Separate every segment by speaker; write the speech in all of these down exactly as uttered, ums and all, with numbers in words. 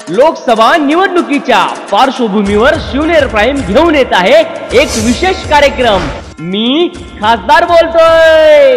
Speaker 1: लोकसभा निवडणुकीच्या पार्श्वभूमीवर शिवनेर प्राईम घेऊन येत आहे एक विशेष कार्यक्रम। मी खासदार बोलतोय।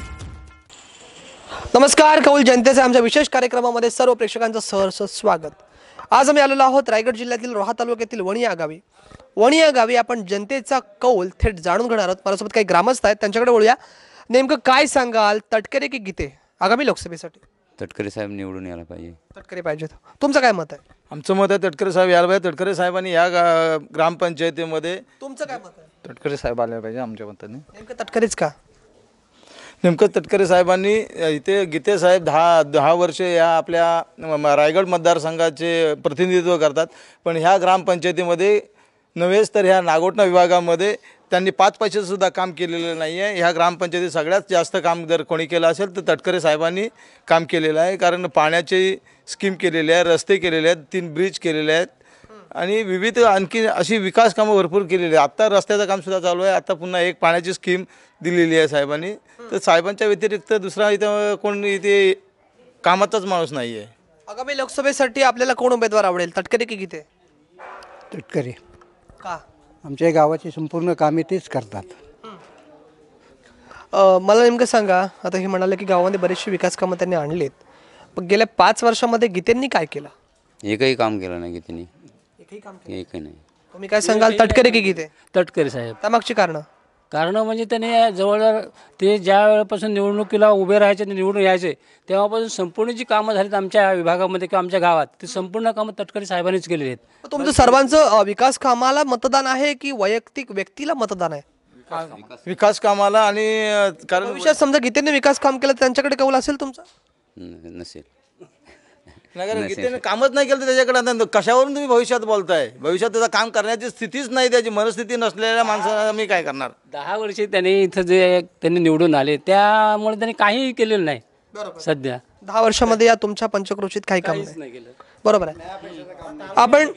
Speaker 2: नमस्कार, कौल जनतेचे आमच्या विशेष कार्यक्रमामध्ये सर्व प्रेक्षकांचं सहर्ष स्वागत। आज आम्ही आलेलो आहोत रायगड जिल्ह्यातील रोहा तालुक्यातील वणी या गावी। वणी या गावी आपण जनतेचा कौल थेट जाणून घेणार आहोत। माझ्यासोबत काही ग्रामस्थ आहेत, त्यांच्याकडे बोलूया। नेमकं काय सांगाल, तटकरे की गीते आगामी लोकसभेसाठी?
Speaker 3: तटकरे साहेब निवडून यायला पाहिजे।
Speaker 2: तटकरे पाहिजेत। तुमचं काय मत आहे?
Speaker 4: आमचं मत आहे तटकरे साहेब यायला पाहिजे। तटकरे साहेबांनी या ग्रामपंचायतीमध्ये
Speaker 2: तुमचं काय मत आहे?
Speaker 4: तटकरे साहेब आले पाहिजे आमच्या मताने।
Speaker 2: नेमकं तटकरेच का?
Speaker 4: नेमकं तटकरे साहेबांनी इथे गीते साहेब दहा दहा वर्ष या आपल्या रायगड मतदारसंघाचे प्रतिनिधित्व करतात, पण ह्या ग्रामपंचायतीमध्ये नव्हेच तर ह्या नागोठणा विभागामध्ये त्यांनी पाच पैशाचंसुद्धा काम केलेलं नाही आहे। ह्या ग्रामपंचायतीत सगळ्यात जास्त काम जर कोणी केलं असेल तर तटकरे साहेबांनी काम केलेलं आहे। कारण पाण्याची स्कीम केलेली आहे, रस्ते केलेले आहेत, तीन ब्रिज केलेले आहेत आणि विविध आणखी अशी विकास कामं भरपूर केलेली आहे। आत्ता रस्त्याचं कामसुद्धा चालू आहे। आता पुन्हा एक पाण्याची स्कीम दिलेली आहे साहेबांनी। तर साहेबांच्या व्यतिरिक्त दुसरा इथं कोण इथे कामाचाच माणूस नाही आहे।
Speaker 2: आगामी लोकसभेसाठी आपल्याला कोण उमेदवार आवडेल, तटकरे की गीते?
Speaker 5: तटकरे।
Speaker 2: का?
Speaker 5: आमच्या गावाची संपूर्ण कामे तेच करतात।
Speaker 2: मला नेमकं सांगा, आता हे म्हणाले की गावामध्ये बरेचसे विकास कामं त्यांनी आणलेत, पण गेल्या पाच वर्षामध्ये गीतेंनी काय केलं?
Speaker 3: एकही काम केलं नाही गीतेनी,
Speaker 2: एकही काम
Speaker 3: एकही नाही।
Speaker 2: तुम्ही काय सांगाल, तटकरे की गीते?
Speaker 6: तटकरे साहेब।
Speaker 2: त्यामागची कारण?
Speaker 6: कारण म्हणजे त्याने जवळजवळ ते ज्या वेळेपासून निवडणुकीला उभे राहायचे ते निवडून यायचे तेव्हापासून संपूर्ण जी कामं झालीत आमच्या विभागामध्ये किंवा आमच्या गावात, ती संपूर्ण कामं तटकरे साहेबांनीच केलेली आहेत।
Speaker 2: तुमचं सर्वांचं विकास कामाला मतदान आहे की वैयक्तिक व्यक्तीला मतदान आहे?
Speaker 4: विकास कामाला आणि कारण
Speaker 2: भविष्यात समजा गीतेने विकास काम केलं, त्यांच्याकडे कौल असेल तुमचा?
Speaker 3: नसेल।
Speaker 4: नगर गीतेने कामच नाही केलं तर त्याच्याकडे आता कशावरून तुम्ही भविष्यात बोलताय? भविष्यात त्याचं काम करण्याची स्थितीच नाही, त्याची मनस्थिती नसलेल्या माणसाला मी काय करणार?
Speaker 6: दहा वर्षे त्यांनी इथं जे त्यांनी निवडून आले त्यामुळे त्यांनी काहीही केलेलं नाही। सध्या
Speaker 2: दहा वर्षामध्ये या तुमच्या पंचक्रोशीत काही काम नाही केलं, बरोबर आहे। आपण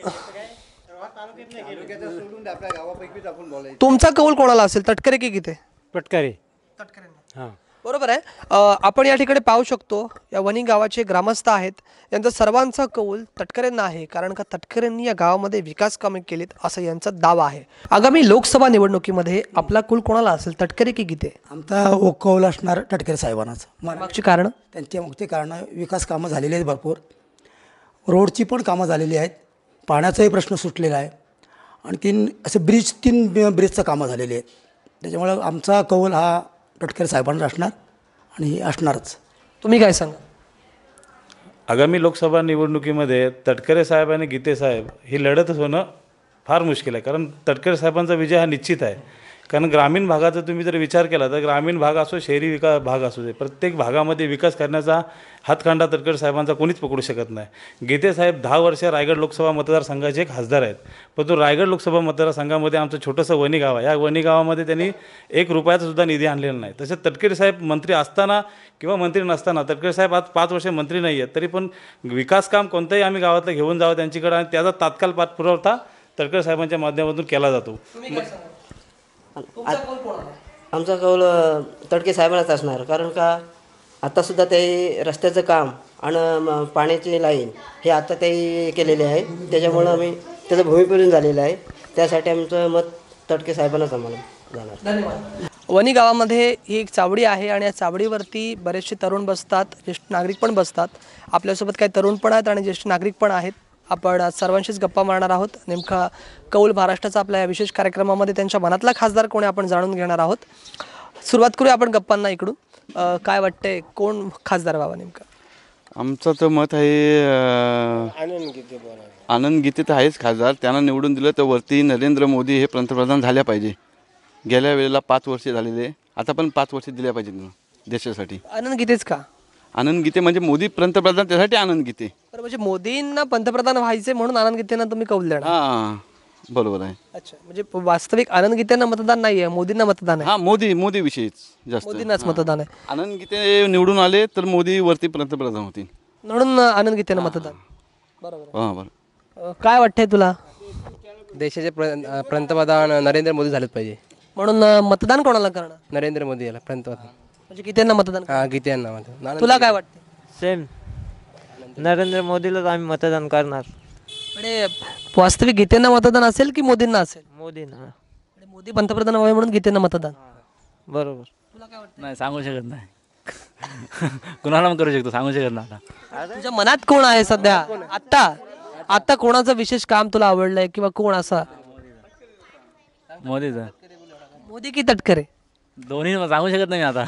Speaker 2: तुमचा कौल कोणाला असेल, तटकरे की गीते?
Speaker 6: तटकरे।
Speaker 2: हां, बरोबर आहे। आपण या ठिकाणी पाहू शकतो, या वणी गावाचे ग्रामस्थ आहेत, यांचा सर्वांचा कौल तटकरेंना आहे, कारण का तटकरेंनी या गावामध्ये विकास कामे केलीत असं यांचा दावा आहे। आगामी लोकसभा निवडणुकीमध्ये आपला कौल कोणाला असेल, तटकरे की गीते?
Speaker 5: आमचा कौल असणार तटकरे साहेबांनाच।
Speaker 2: मागची कारण?
Speaker 5: त्यांच्या मुख्य कारण विकास कामं झालेली आहेत, भरपूर रोडची पण कामं झालेली आहेत, पाण्याचाही प्रश्न सुटलेला आहे, आणखीन असे ब्रिज तीन ब्रिजचं कामं झालेली आहेत। त्याच्यामुळं आमचा कौल हा तटकरे साहेबांना असणार आणि असणारच।
Speaker 2: तुम्ही काय सांगा?
Speaker 7: आगामी लोकसभा निवडणुकीमध्ये तटकरे साहेब आणि गीते साहेब ही लढत होणं फार मुश्किल आहे, कारण तटकरे साहेबांचा विजय हा निश्चित आहे। कारण ग्रामीण भागाचा तुम्ही जर विचार केला तर ग्रामीण भाग असो, शहरी विकास भाग असू दे, प्रत्येक भागामध्ये विकास करण्याचा हातखंडा तटकरे साहेबांचा कोणीच पकडू शकत नाही। गीते साहेब दहा वर्ष रायगड लोकसभा मतदारसंघाचे खासदार आहेत, परंतु रायगड लोकसभा मतदारसंघामध्ये आमचं छोटंसं वणी गाव आहे, या वणी गावामध्ये त्यांनी एक रुपयाचा सुद्धा निधी आणलेला नाही। तसेच तटकरे साहेब मंत्री असताना किंवा मंत्री नसताना, तटकरे साहेब आज पाच वर्ष मंत्री नाही आहेत, तरी पण विकास काम कोणतंही आम्ही गावातलं घेऊन जावं त्यांच्याकडे आणि त्याचा तात्काळ पाठपुरावा तटकरे साहेबांच्या माध्यमातून केला जातो।
Speaker 8: आमचा कौल तटकरे साहेबांनाच असणार, कारण का आत्तासुद्धा ते रस्त्याचं काम आणि पाण्याची लाईन हे आता ते केलेले आहे, त्याच्यामुळं आम्ही त्याचं भूमिपूजन झालेलं आहे, त्यासाठी आमचं मत तटकरे साहेबांनाच आम्हाला जाणार।
Speaker 2: धन्यवाद। वणी गावामध्ये ही एक चावडी आहे आणि या चावडीवरती बरेचसे तरुण बसतात, ज्येष्ठ नागरिक पण बसतात। आपल्यासोबत काही तरुण पण आहेत आणि ज्येष्ठ नागरिक पण आहेत। आपण सर्वांशीच गप्पा मारणार आहोत। नेमका कौल महाराष्ट्राचा आपल्या या विशेष कार्यक्रमामध्ये त्यांच्या मनातला खासदार कोणी आपण जाणून घेणार आहोत। सुरुवात करूया आपण गप्पांना इकडून। काय वाटतंय, कोण खासदार व्हावा नेमका?
Speaker 9: आमचं तर मत आहे आनंद गीते। आनंद गीते तर आहेच खासदार, त्यांना निवडून दिलं तर वरती नरेंद्र मोदी हे पंतप्रधान झाल्या पाहिजे। गेल्या वेळेला पाच वर्ष झालेले, आता पण पाच वर्ष दिल्या पाहिजेत देशासाठी।
Speaker 2: आनंद गीतेच का?
Speaker 9: आनंद गीते म्हणजे मोदी पंतप्रधान, त्यासाठी आनंद गीते।
Speaker 2: बरं, म्हणजे मोदींना पंतप्रधान व्हायचे म्हणून आनंद गीतेंना तुम्ही कौल देणार?
Speaker 9: हां, बरोबर आहे।
Speaker 2: अच्छा, म्हणजे वास्तविक आनंद गीतेंना मतदान नाही आहे, मोदींना मतदान आहे?
Speaker 9: हां, मोदी मोदी विषयीच जास्त,
Speaker 2: मोदींनाच मतदान आहे।
Speaker 9: आनंद गीते निवडून आले तर मोदी वरती पंतप्रधान होतील,
Speaker 2: म्हणून आनंद गीतेंना मतदान। बरोबर।
Speaker 9: हां, बरोबर।
Speaker 2: काय वाटतंय तुला?
Speaker 10: देशाचे पंतप्रधान नरेंद्र मोदी झालेच पाहिजे,
Speaker 2: म्हणून मतदान कोणाला करणार?
Speaker 10: नरेंद्र मोदी याला पंतप्रधान,
Speaker 2: म्हणजे गीतेंना मतदान?
Speaker 10: हां, गीतेंना मतदान।
Speaker 2: तुला काय वाटतं?
Speaker 6: सेम।
Speaker 11: नरेंद्र मोदीलाच आम्ही मतदान करणार.
Speaker 2: म्हणजे वास्तविक गीतेंना मतदान असेल की मोदींना असेल?
Speaker 11: मोदींना.
Speaker 2: म्हणजे मोदी पंतप्रधान व्हावे म्हणून गीतेंना मतदान.
Speaker 11: बरोबर.
Speaker 6: नाही सांगू शकत नाही. कुणाला पण करू शकतो, सांगू शकत नाही आता.
Speaker 2: तुझ्या मनात कोण आहे सध्या आता? आता कोणाचं विशेष काम तुला आवडलंय किंवा कोण असा?
Speaker 6: मोदीचा.
Speaker 2: मोदी की तटकरे?
Speaker 6: दोन्ही सांगू शकत नाही आता.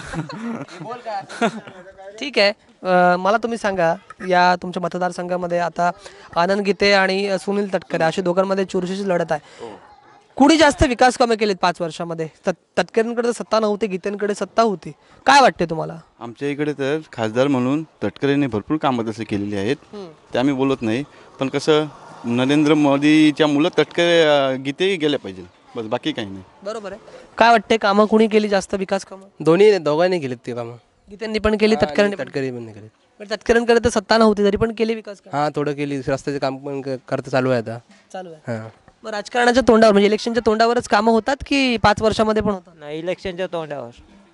Speaker 2: ठीक आहे. अ, मला तुम्ही सांगा, या तुमच्या मतदारसंघामध्ये आता आनंद गीते आणि सुनील तटकरे अशा दोघांमध्ये चुरशीची लढत आहे. कुणी जास्त विकास कामे केलीत पाच वर्षामध्ये? तट तटकरेंकडे सत्ता नव्हती, गीतेंकडे सत्ता होती. काय वाटते तुम्हाला?
Speaker 9: आमच्या इकडे तर खासदार म्हणून तटकरेंनी भरपूर कामं तसे केलेली आहेत, ते आम्ही बोलत नाही. पण कसं नरेंद्र मोदीच्या मुलं तटकरे अं, गीतेही गेल्या पाहिजे, बस बाकी काही नाही.
Speaker 2: बरोबर आहे. काय वाटते, कामं कुणी केली जास्त विकास कामं?
Speaker 10: दोन्ही दोघांनी केलीत ते कामं.
Speaker 2: गीतेंनी पण केली, तटकरेंनी पण
Speaker 10: तटकरे पण केलीत.
Speaker 2: पण तटकरेंकडे तर सत्ता नव्हती तरी पण केली विकास कामं.
Speaker 10: हां थोडं केली. रस्त्याचे काम पण क- करता चालू आहे आता.
Speaker 2: चालू आहे.
Speaker 10: हां
Speaker 2: मग राजकारणाच्या तोंडावर म्हणजे इलेक्शनच्या तोंडावरच कामं होतात की पाच वर्षामध्ये पण होतात?
Speaker 11: नाही, इलेक्शनच्या तोंडावर.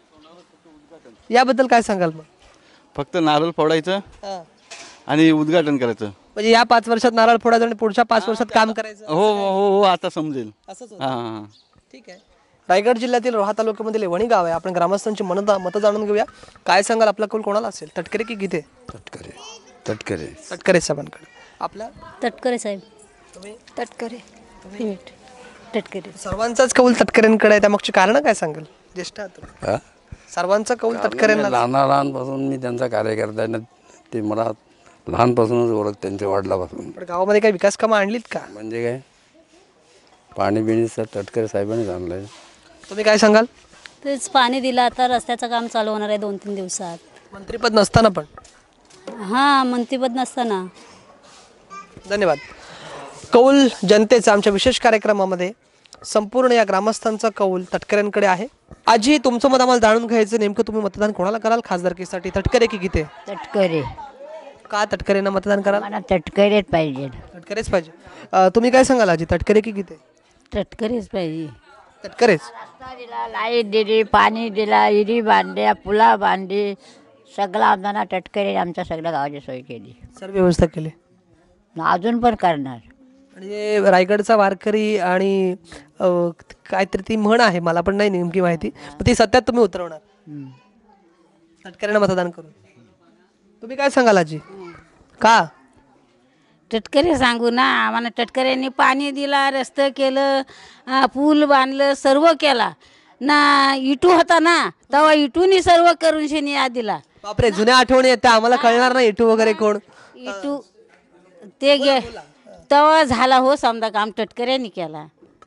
Speaker 2: याबद्दल काय सांगाल मग?
Speaker 9: फक्त नारळ फोडायचं
Speaker 2: हां.
Speaker 9: आणि उद्घाटन करायचं.
Speaker 2: म्हणजे या पाच वर्षात नारळ फोडायचं आणि पुढच्या पाच वर्षात काम करायचं.
Speaker 9: हो हो हो हो आता समजेल.
Speaker 2: असंच
Speaker 9: हां हां हां.
Speaker 2: ठीक आहे. रायगड जिल्ह्यातील रोहा तालुक्यामधील वणी गाव आहे. आपण ग्रामस्थांची मत मतं जाणून घेऊया. काय सांगाल, आपला कौल कोणाला असेल, तटकरे की गीते?
Speaker 12: तटकरे. तटकरे.
Speaker 2: तटकरे साहेबांकडे. आपला
Speaker 13: तटकरे साहेब.
Speaker 2: तुम्ही?
Speaker 13: तटकरे. तटकरे.
Speaker 2: सर्वांचाच कौल तटकरेंकडे आहे, त्यामागची कारण काय सांगाल? ज्येष्ठ आहात तुम्ही.
Speaker 12: हा?
Speaker 2: सर्वांचा कौल तटकरेंना.
Speaker 12: लहान लहानपासून मी त्यांचा कार्यकर्ता आहे ना, ते मला लहानपासूनच ओळख त्यांच्या वडिलापासून.
Speaker 2: पण गावामध्ये काही विकास कामं आणलीत का?
Speaker 12: म्हणजे काय पाणी बिणी सर तटकरे साहेबांनीच आणलंय.
Speaker 2: तुम्ही काय सांगाल?
Speaker 13: तेच पाणी दिलं, आता रस्त्याचं काम चालू होणार आहे दोन तीन दिवसात.
Speaker 2: मंत्रीपद नसताना पण.
Speaker 13: हां मंत्रीपद नसताना.
Speaker 2: धन्यवाद. कौल जनतेचा आमच्या विशेष कार्यक्रमामध्ये संपूर्ण या ग्रामस्थांचा कौल तटकरेंकडे आहे. आजी, तुमचं मत आम्हाला जाणून घ्यायचं, नेमकं तुम्ही मतदान कोणाला कराल खासदारकीसाठी, तटकरे की गीते?
Speaker 14: तटकरे.
Speaker 2: का तटकरेंना मतदान कराल?
Speaker 14: मला तटकरेच पाहिजे.
Speaker 2: तटकरेच पाहिजे. अं, तुम्ही काय सांगाल आजी, तटकरे की गीते?
Speaker 14: तटकरेच पाहिजे.
Speaker 2: तटकरेच.
Speaker 14: रस्ता दिला, लाईट दिली, पाणी दिला, विहिरी बांधल्या, पुला बांधली, सगळं आम्हाला तटकरे आमच्या सगळ्या गावाची सोय केली,
Speaker 2: सर्व व्यवस्था केली.
Speaker 14: अजून पण करणार.
Speaker 2: म्हणजे रायगडचा वारकरी आणि अं, काहीतरी ती म्हण आहे, मला पण नाही नेमकी माहिती, पण ती सत्यात तुम्ही उतरवणार तटकरेंना मतदान करून. तुम्ही काय सांगाल आजी, का?
Speaker 14: तटकरे सांगू ना, आम्हाला तटकऱ्यांनी पाणी दिला, रस्तं केलं, अं, पूल बांधलं, सर्व केला ना. इटू होता ना, तेव्हा इटूनी सर्व करून शेनी या दिला.
Speaker 2: बापरे, जुन्या आठवणी आहेत त्या, आम्हाला कळणार नाही इटू वगैरे कोण.
Speaker 14: इटू ते गे तेव्हा झाला हो समजा, काम तटकऱ्यांनी केला.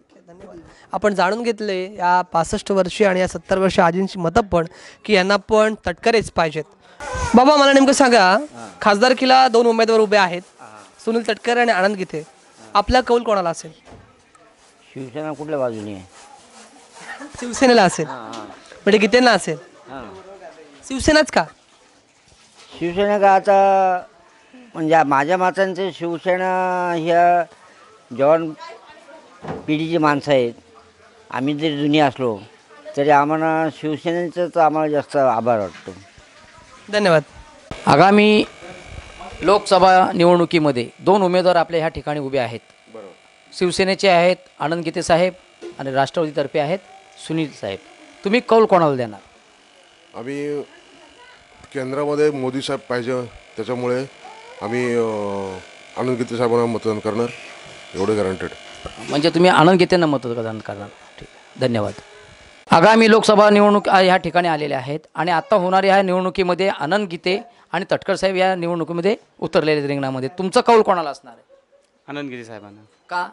Speaker 2: आपण जाणून घेतले या पासष्ट वर्षी आणि या सत्तर वर्ष आजींची मतं पण, की यांना पण तटकरेच पाहिजेत. बाबा मला नेमकं सांगा, खासदारकीला दोन उमेदवार उभे आहेत, सुनील तटकरे आणि आनंद गीते. आपला कौल कोणाला असेल?
Speaker 15: शिवसेना कुठल्या बाजूने आहे?
Speaker 2: शिवसेनेला असेल. म्हणजे गीतेंना असेल. शिवसेनाच का?
Speaker 15: शिवसेना का आता म्हणजे माझ्या मतांचं शिवसेना ह्या जवान पिढीची माणसं आहेत. आम्ही जरी जुनी असलो तरी आम्हाला शिवसेनेचंच आम्हाला जास्त आभार वाटतो.
Speaker 2: धन्यवाद.
Speaker 16: आगामी लोकसभा निवडणुकीमध्ये दोन उमेदवार आपल्या ह्या ठिकाणी उभे आहेत. शिवसेनेचे आहेत आनंद गीते साहेब आणि राष्ट्रवादीतर्फे आहेत सुनील साहेब. तुम्ही कौल कोणाला देणार?
Speaker 17: आम्ही केंद्रामध्ये मोदी साहेब पाहिजे, त्याच्यामुळे आम्ही आनंद गीते साहेबांना मतदान करणार, एवढे गॅरंटेड.
Speaker 16: म्हणजे तुम्ही आनंद गीतेंना मतदान करणार. ठीक आहे, धन्यवाद. आगामी लोकसभा निवडणूक ह्या ठिकाणी आलेल्या आहेत आणि आता होणाऱ्या ह्या निवडणुकीमध्ये आनंद गीते आणि तटकर साहेब या निवडणुकीमध्ये उतरलेले रिंगणामध्ये. तुमचं कौल कोणाला असणार आहे?
Speaker 3: आनंद गीते साहेबांना.
Speaker 16: का?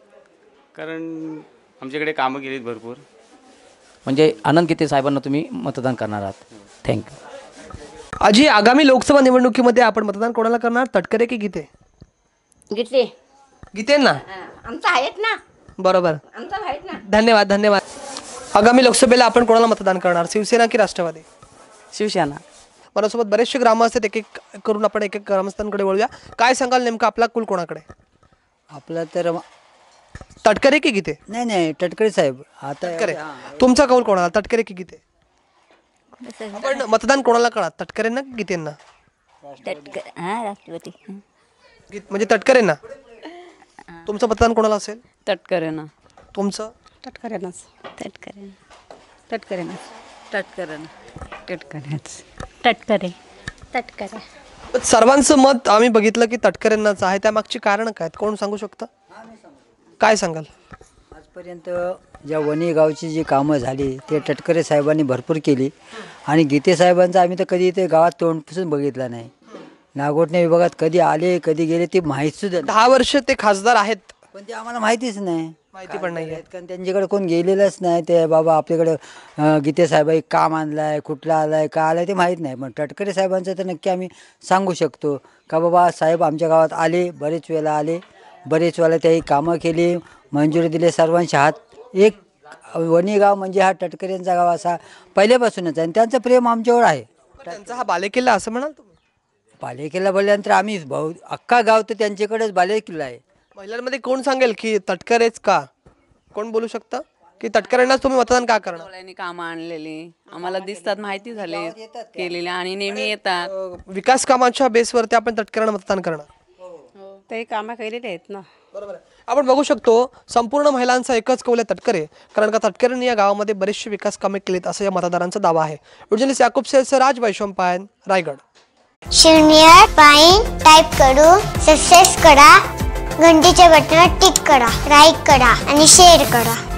Speaker 3: कारण आमच्याकडे कामं केलीत भरपूर.
Speaker 16: म्हणजे आनंद गीते साहेबांना तुम्ही मतदान करणार आहात. थँक्यू.
Speaker 2: आजी, आगामी लोकसभा निवडणुकीमध्ये आपण मतदान कोणाला करणार, तटकरे की गीते?
Speaker 14: गीते.
Speaker 2: गीतेंना.
Speaker 14: आमचं आहेत ना.
Speaker 2: बरोबर.
Speaker 14: आमचं आहेत ना.
Speaker 2: धन्यवाद धन्यवाद. आगामी लोकसभेला आपण कोणाला मतदान करणार, शिवसेना की राष्ट्रवादी?
Speaker 18: शिवसेना.
Speaker 2: माझ्यासोबत बरेचसे ग्रामस्थ आहेत, एक एक करून आपण एक एक ग्रामस्थांकडे वळूया. काय सांगाल नेमका आपला कुल कोणाकडे?
Speaker 18: आपला तर
Speaker 2: तटकरे की गीते?
Speaker 18: नाही नाही तटकरे साहेब. आता
Speaker 2: तटकरे. तुमचा कौल कोणाला, तटकरे की गीते? आपण मतदान कोणाला करा, तटकरेंना की गीतेंना?
Speaker 13: तटकर हां राष्ट्रपती हं.
Speaker 2: गीत- म्हणजे तटकरेंना. तुमचं मतदान कोणाला असेल?
Speaker 19: तटकरेंना.
Speaker 2: तुमचं?
Speaker 19: तटकरेंनाच.
Speaker 13: तटकरे
Speaker 19: तटकरेंनाच. तटकरेंना. तटकरेंनाच.
Speaker 13: तटकरे तटकरे
Speaker 2: सर्वांचं मत आम्ही बघितलं की तटकरेंनाच आहे. त्यामागची कारण काय आहेत? कोण सांगू शकतं? काय सांगाल?
Speaker 18: आजपर्यंत ज्या वणी गावची जी कामं झाली ते तटकरे साहेबांनी भरपूर केली आणि गीते साहेबांचं आम्ही तर कधी ते गावात तोंडपासून बघितलं नाही. नागोठणे विभागात कधी आले कधी गेले ते माहीत सुद्धा नाही.
Speaker 2: दहा वर्ष ते खासदार आहेत
Speaker 18: पण ते आम्हाला माहितीच नाही.
Speaker 2: माहिती पण नाही
Speaker 18: कारण त्यांच्याकडे कोण गेलेलंच नाही. ते बाबा आपल्याकडे अं, गीते साहेब एक काम आणलाय कुठला आलाय का आलाय ते माहीत नाही. पण तटकरे साहेबांचं तर नक्की आम्ही सांगू शकतो का बाबा साहेब आमच्या गावात आले, बरेच वेळेला आले, बरेच वेळेला त्याही कामं केली, मंजुरी दिले सर्वांच्या हात. एक वणी गाव म्हणजे हा तटकरेंचा गाव असा पहिल्यापासूनच आहे आणि त्यांचं प्रेम आमच्यावर आहे.
Speaker 2: त्यांचा हा बालेकिल्ला असं म्हणाल तुम्ही?
Speaker 18: बालेकिल्ला बोलल्यानंतर आम्ही भाऊ अख्खा गाव तर त्यांच्याकडेच बालेकिल्ला आहे.
Speaker 2: महिलांमध्ये कोण सांगेल की तटकरेच का? कोण बोलू शकतं की तटकरेंनाच तुम्ही मतदान का करणार?
Speaker 19: त्यांनी कामं आणलेली आम्हाला दिसतात, माहिती झाले केलेले आणि नेहमी येतात.
Speaker 2: विकास कामाच्या बेसवरती आपण तटकरेंना मतदान करणार.
Speaker 19: ते कामं केलेले आहेत ना.
Speaker 2: बरोबर आहे. आपण बघू शकतो संपूर्ण महिलांचा एकच कौल आहे तटकरे, कारण का तटकरेंनी या गावामध्ये बरेचसे विकास कामे केलीत असं या मतदारांचा दावा आहे. उर्जनिस याकूब सेलसर राज वैशंपायन रायगड.
Speaker 20: शून्य पाईन टाईप करू सक्सेस करा, घंटीच्या बटनावर टिक करा, लाईक करा आणि शेअर करा.